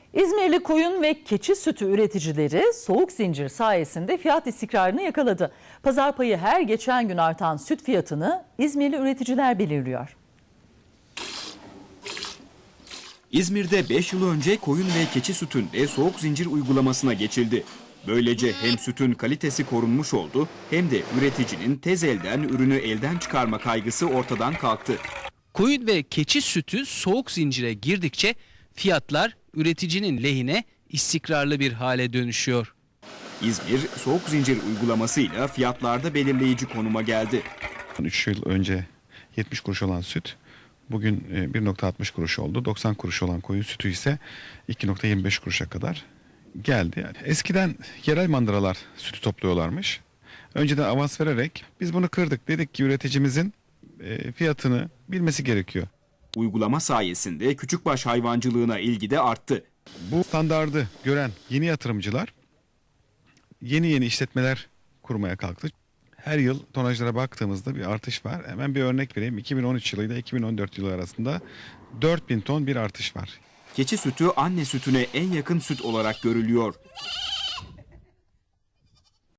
İzmirli koyun ve keçi sütü üreticileri soğuk zincir sayesinde fiyat istikrarını yakaladı. Pazar payı her geçen gün artan süt fiyatını İzmirli üreticiler belirliyor. İzmir'de 5 yıl önce koyun ve keçi sütünde soğuk zincir uygulamasına geçildi. Böylece hem sütün kalitesi korunmuş oldu hem de üreticinin tez elden ürünü elden çıkarma kaygısı ortadan kalktı. Koyun ve keçi sütü soğuk zincire girdikçe fiyatlar üreticinin lehine istikrarlı bir hale dönüşüyor. İzmir soğuk zincir uygulamasıyla fiyatlarda belirleyici konuma geldi. 3 yıl önce 70 kuruş olan süt bugün 1,60 kuruş oldu. 90 kuruş olan koyun sütü ise 2,25 kuruşa kadar geldi. Yani eskiden yerel mandıralar sütü topluyorlarmış. Önceden avans vererek biz bunu kırdık. Dedik ki üreticimizin fiyatını bilmesi gerekiyor. Uygulama sayesinde küçükbaş hayvancılığına ilgi de arttı. Bu standardı gören yeni yatırımcılar yeni işletmeler kurmaya kalktı. Her yıl tonajlara baktığımızda bir artış var. Hemen bir örnek vereyim. 2013 yılıyla 2014 yılı arasında 4.000 ton bir artış var. Keçi sütü anne sütüne en yakın süt olarak görülüyor.